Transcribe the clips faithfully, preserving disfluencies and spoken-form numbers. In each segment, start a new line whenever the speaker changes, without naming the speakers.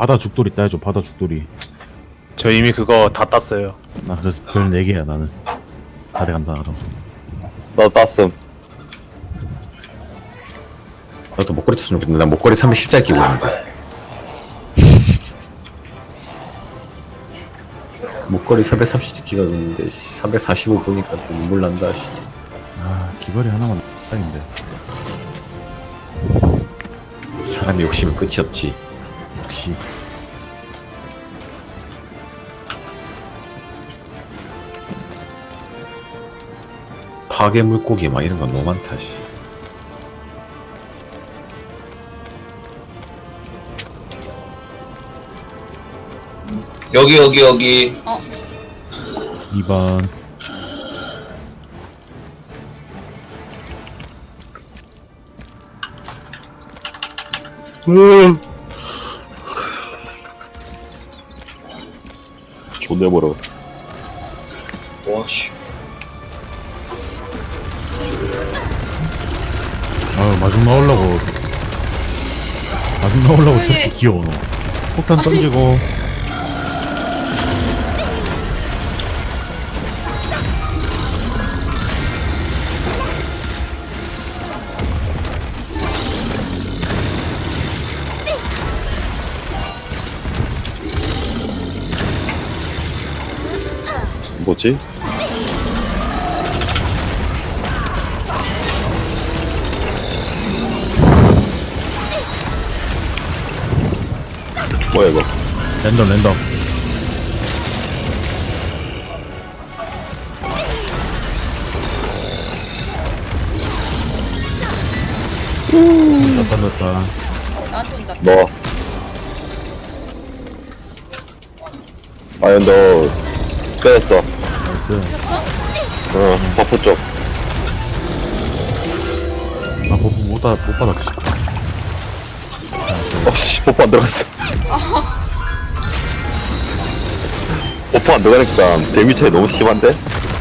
바다 죽돌이 따야죠. 바다 죽돌이.
저 이미 그거 다 땄어요.
나 그래서 별 네 개야 나는. 다 돼간다 나도.
너 땄음.
나도 목걸이 쳤으면 좋겠는데 난 목걸이 삼백십짜리 끼고 있는데 목걸이 사백삼십 끼가 있는데 삼백사십오 보니까 또 눈물 난다 씨.
아 귀걸이 하나만 딱인데.
사람이 욕심은 끝이 없지.
역시.
파괴 물고기 막 이런 거 너무 많다 씨.
여기 여기 여기
이 번.
존내 멀어.
와씨
아유 마중 나오려고. 마중 나오려고 저렇게 귀여워 너. 폭탄 던지고.
뭐지? 뭐야 이거?
랜덤 랜덤. 다 던졌다.
나한테 온다.
너. 아니 너 빼냈어.
나이스.
어 버프 쪽.
아 버프 못 받, 못 받았지.
어씨 버프 안 들어갔어. 버프 안 들어가니까 데미 차이 너무 심한데?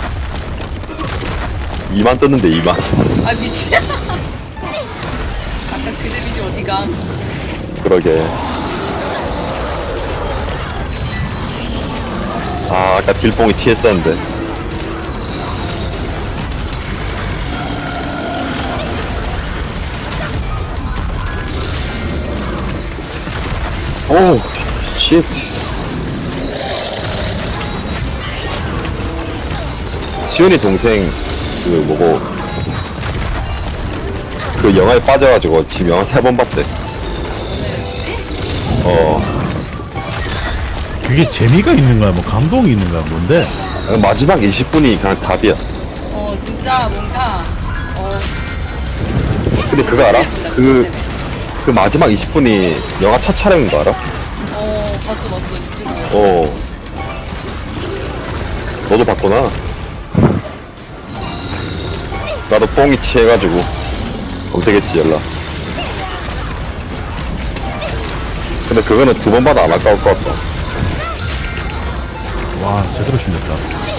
이만 떴는데 이만.
아 미친. 아까 그 데미지 어디가?
그러게. 아 아까 딜뽕이 티했었는데. 오 쉣. 시온이 동생 그 뭐고 그 영화에 빠져가지고 지금 영화 세 번 봤대. 어
그게 재미가 있는 거야? 뭐 감동이 있는 거야? 뭔데?
마지막 이십 분이 그냥 답이야.
어 진짜 뭔가 어
근데 그거 알아? 그, 그 마지막 이십 분이 영화 첫 촬영인 거 알아?
어 봤어 봤어 유튜브.
어. 너도 봤구나. 나도 뽕이 취해가지고 검색했지 연락. 근데 그거는 두 번 봐도 안 아까울 것 같다.
와 제대로 신겼다.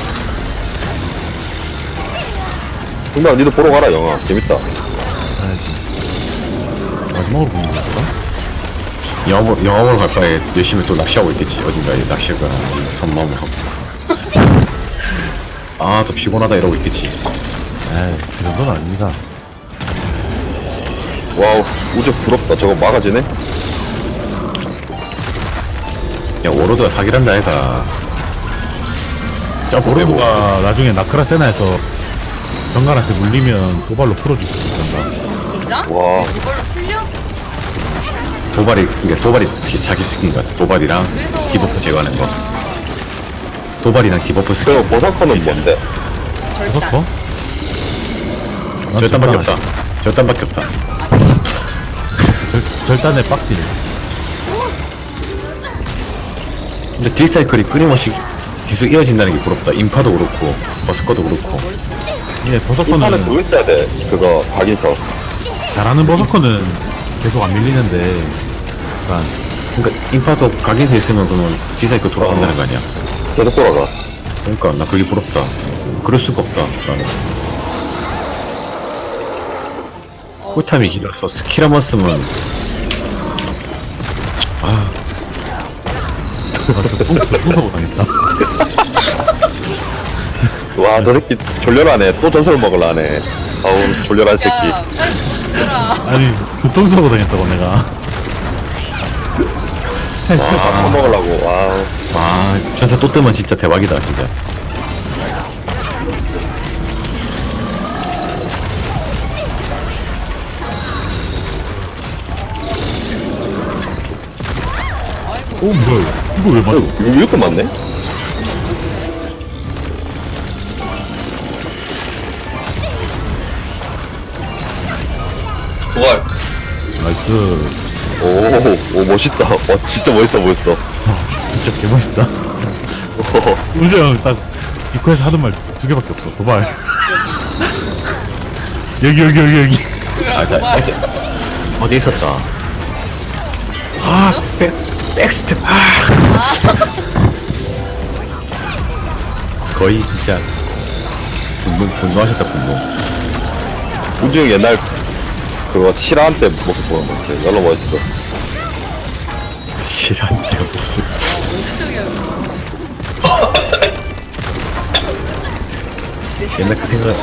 근데 니도 보러 가라 영화 재밌다.
가야지. 마지막으로 보는 거야?
영화, 보- 영화 보러 갈 바에 열심히 또 낚시하고 있겠지. 어딘가에 낚시가 선마음을 하고. 아, 또 피곤하다 이러고 있겠지.
에이 그 정도는 아닙니다.
와우 우주 부럽다. 저거 막아지네.
야, 워로드가 사기란다 애가. 점프 빼고.
오로드가 나중에 나크라세나에서 정갈한테 물리면 도발로 풀어줄 수 있단다.
진짜?
와.
이걸로 풀려?
도발이, 그게 도발이 자기 스킨 같아. 도발이랑
그래서-
디버프 제거하는 거. 도발이랑 디버프 스킨.
그 버서커는 뭔데?
절단.
버섯커?
절단밖에 없다. 절단밖에 없다.
절, 절단의 빡딜.
근데 딜사이클이 끊임없이 계속 이어진다는 게 부럽다. 인파도 그렇고, 버스커도 그렇고.
예,
이판은
버섯커는
그거 있어야 돼. 그거 각인서.
잘하는 버섯커는 계속 안 밀리는데 약간
그러니까 인파도 각인서 있으면 그러면 딜사이클 돌아간다는 거 아니야.
계속 돌아가.
그러니까 나 그게 부럽다. 그럴 수가 없다. 나는. 쿨타임이 길어서 스킬 한번 쓰면 아
앞에 가서 똥 당했다.
와, 저 새끼 졸렬하네. 또 전설 먹으려네. 아우, 졸렬한 새끼.
야 빨리 죽어라.
아니 교통사고 당했다고 내가.
와, 처먹으려고. 와우.
와 전사 또 뜨면 진짜 대박이다 진짜.
오 뭐야? 이거 왜 맞아?
이거 이렇게 많네?
도발.
나이스.
오, 오, 멋있다. 와, 진짜 멋있어 보였어.
진짜 개멋있다. 우재 형딱 디코에서 하던 말 두 개밖에 없어. 도발. 여기 여기 여기 여기.
아, 자, 어디, 어디 있었다. 아, 백, 백스텝. 아. 거의 진짜 분노, 분노하셨다, 분노.
우주 형 옛날 그거 실화한 때 모습 보는 것 같아. 열로 멋있어.
실한데 무슨.
언제적이야.
옛날 그 생각,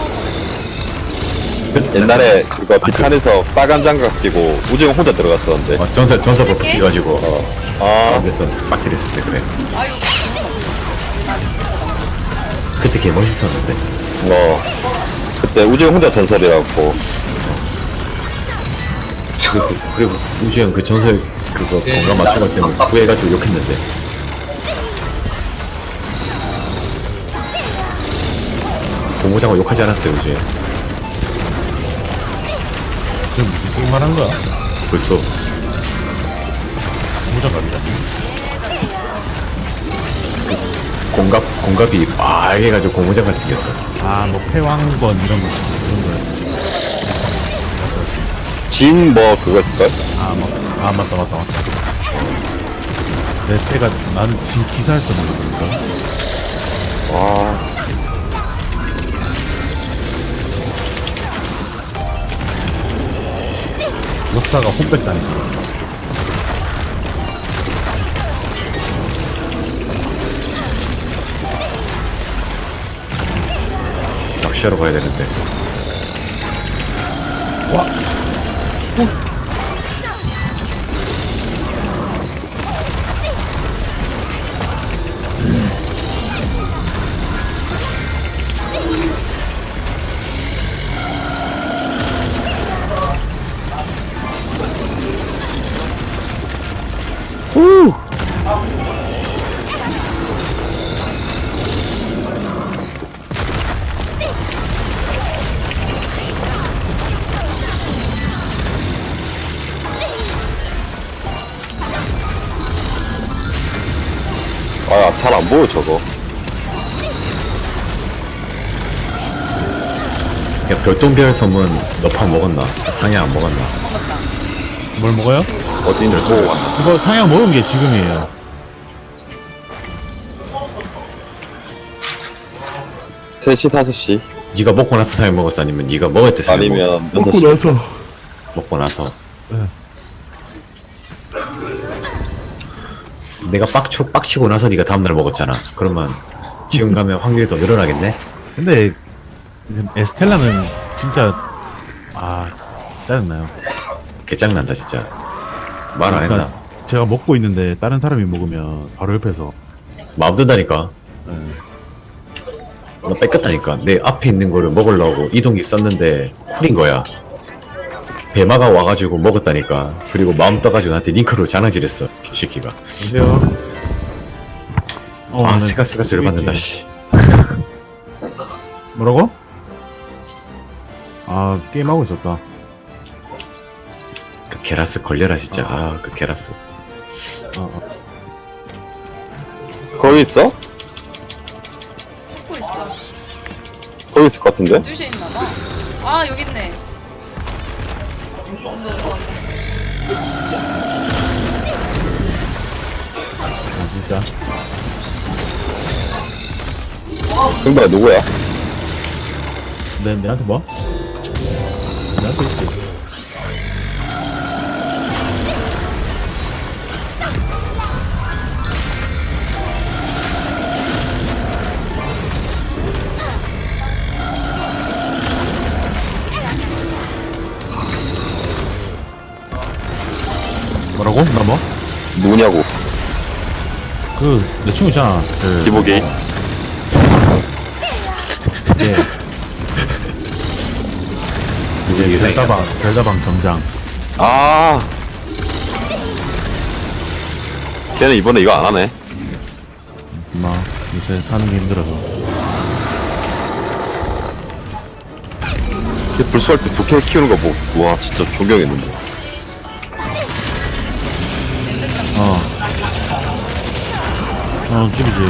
옛날에 그거 비탄에서 빨간 장갑 끼고 우주 형 혼자 들어갔었는데.
어, 전사, 전사 버프 끼가지고, 어,
아,
그래서 빡 때렸을 때, 그래.
아유.
그때 개 멋있었는데.
어. 그때 우주 형 혼자 전설이라고.
그리고, 그리고 우주형 그 전설 그거 건강 맞춰갈 때문에 후회해가지고 욕했는데. 고무장어 욕하지 않았어요, 우주형.
지금 무슨 게임 말한 거야?
벌써.
무장갑이다.
공갑, 공갑이 빨개가지고 고무장갑 생겼어.
아뭐 패왕건 이런 거 이런 거.
진 뭐 그거 있을걸?
아, 뭐, 아 맞다 맞다 맞다. 내 때가 나는 지금 기사를 써먹으니까.
와.
역사가 혼백다니까.
낚시하러 가야 되는데.
와.
아, 잘 안 보여, 저거.
야, 별똥별 섬은 너팡 먹었나? 상야 안 먹었나?
뭘 먹어요?
어디 있는지 보고 왔나?
이거 상향 먹은 게 지금이에요.
세 시, 다섯 시.
네가 먹고 나서 상야 먹었어? 아니면 네가 먹을 때 상야 먹었어?
아니면 여섯 시.
나서.
먹고 나서.
네.
내가 빡쳐, 빡치고 나서 네가 다음날 먹었잖아. 그러면 지금 가면 확률이 더 늘어나겠네?
근데 에스텔라는 진짜 아 짜증나요.
개짱난다 진짜. 말 안 했나?
그러니까 제가 먹고 있는데 다른 사람이 먹으면 바로 옆에서
마음 든다니까.
예.
나 뺏겼다니까. 내 앞에 있는 거를 먹으려고 이동기 썼는데 쿨인 거야. 배마가 와가지고 먹었다니까. 그리고 마음 떠가지고 나한테 링크로 장난질했어. 시키가.
보세요. 어,
아
나는
세가 세가 소리
있지.
받는다 씨.
뭐라고? 아 게임하고 있었다.
그 게라스 걸려라 진짜. 아 그 게라스.
어, 어.
거기 있어?
찾고 있어.
거기 있을 것 같은데?
주시에 있나봐. 아 여기 있네. 온다 온다 온다.
아, 진짜.
승부가 누구야?
내 내한테 뭐? 내한테 있지.
누구냐고.
그, 내 친구 있잖아. 그,
기복이.
이제, 이제 별다방, 별다방 경장.
아. 걔는 이번에 이거 안 하네.
엄마, 요새 사는 게 힘들어서.
걔 불수할 때 부캐 키우는 거 뭐, 와, 진짜 존경했는데.
어. 어, 집이지.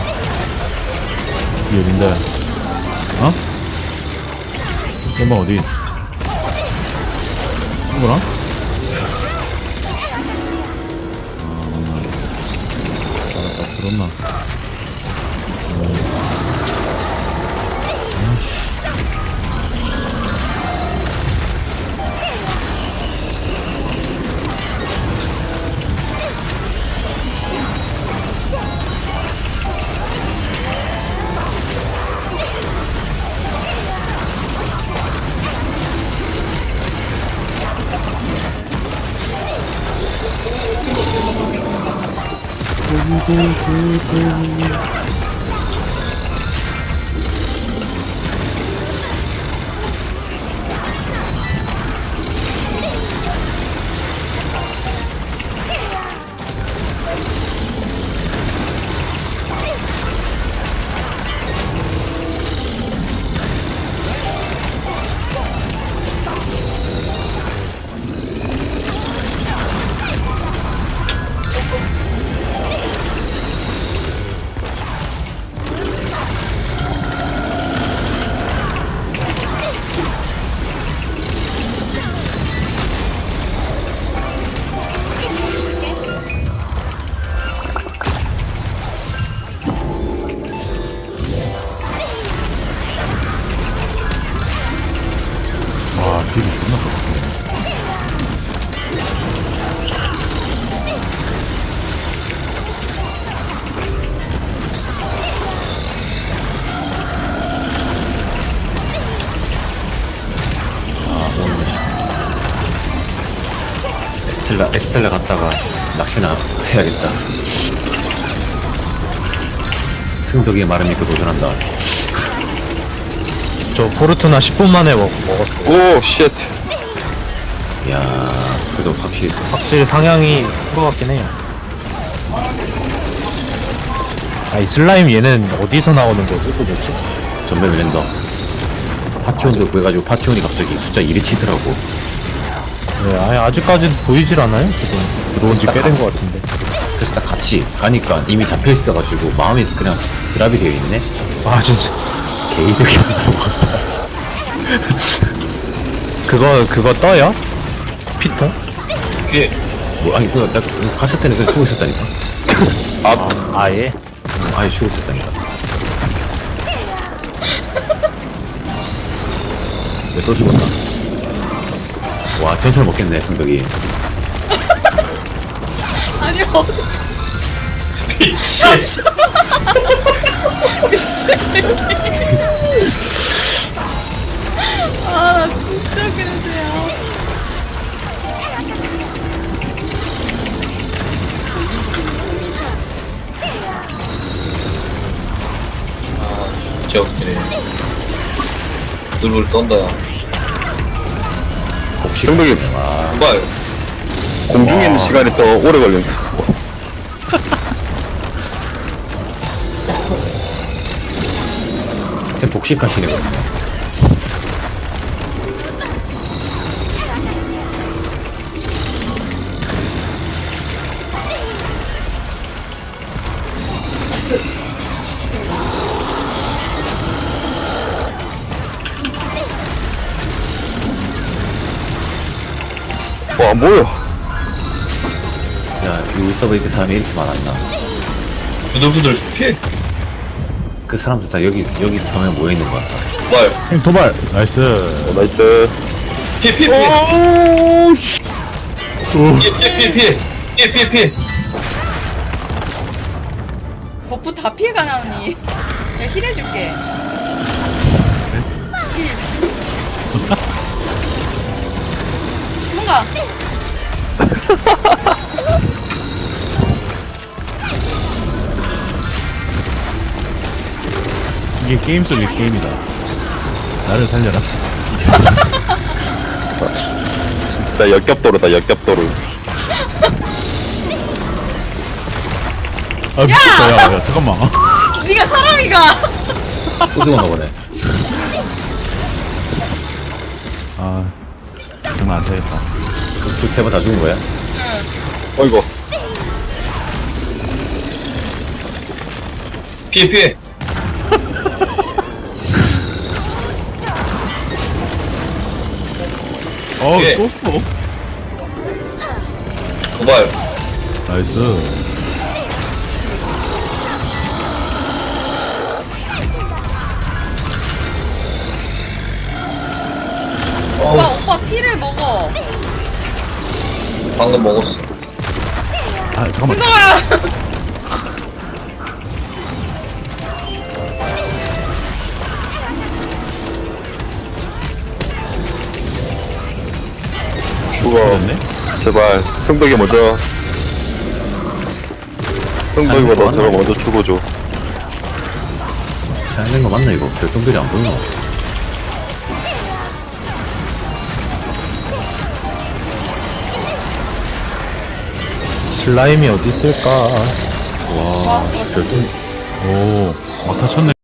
이 어딘데? 어? 엄마 어디? 친구랑? 아, 맞나. 알았다, 들었나? 와, 딜이 존나 커.
에스텔라 에스텔라 갔다가 낚시나 해야겠다. 승덕이의 말을 믿고 도전한다.
저 포르투나 십 분 만에 먹, 먹었어.
오, 쉣.
야, 그래도 확실히
확실히 상향이 프로 같긴 해요. 아이 슬라임 얘는 어디서 나오는 거지 도대체?
전멸 랜더 파티온도 구해가지고 파티온이 갑자기 숫자 일이 치더라고.
네, 아니 아직까지는 보이질 않아요 지금. 들어온 지 꽤 된 것 같은데.
그래서 딱 같이 가니까 이미 잡혀 있어가지고 마음이 그냥 드랍이 되어 있네.
아 진짜.
개이득이 없다.
그거 그거 떠요? 피통?
그게
뭐 아니 그나 갔을 때는 그냥 죽어 있었다니까.
아,
아예?
아예 죽어 있었다니까. 왜 또 죽었나? 와 전설 먹겠네 승덕이.
아니 어
미친.
아나 진짜 그러세요.
진짜 웃기네. 누굴 떤다.
승덕이
봐요.
공중에 있는 시간이 더 오래 걸린다.
그냥 독식하시네 거든요.
와, 안 보여.
야 여기 서버 이렇게 사람이 이렇게 많았나?
부들부들 피해.
그 사람들 다 여기 여기 섬에 모여 있는 것 같다.
봐요.
형 도발! 나이스.
어, 나이스.
피해 피해 피해.
오, 씨. 오,
피해 피해 피해 피해. 피해 피해 피해.
버프 다 피해가 나오니. 내가 힐 해줄게. 힐. 뭔가
이게 게임 속의 게임이다. 나를 살려라.
나 역겹도로다 역겹도로.
아 미쳤다. 야, 야 잠깐만.
네가 사람이가.
우승하나 보네.
아 장난 안 되겠다.
세 번 다 죽은 거야?
어이구.
피해 피해.
어
예.
또 써.
도발.
나이스.
오빠 오빠 피를 먹어.
방금 먹었어.
아 잠깐만.
진동아.
죽어. 제발 승덕이 먼저. 승덕이보다 저거 먼저 죽어줘.
살는 거 맞나 이거? 별똥별이 안 보이나? 슬라임이 어디 있을까? 와, 별똥
오 막타 쳤네.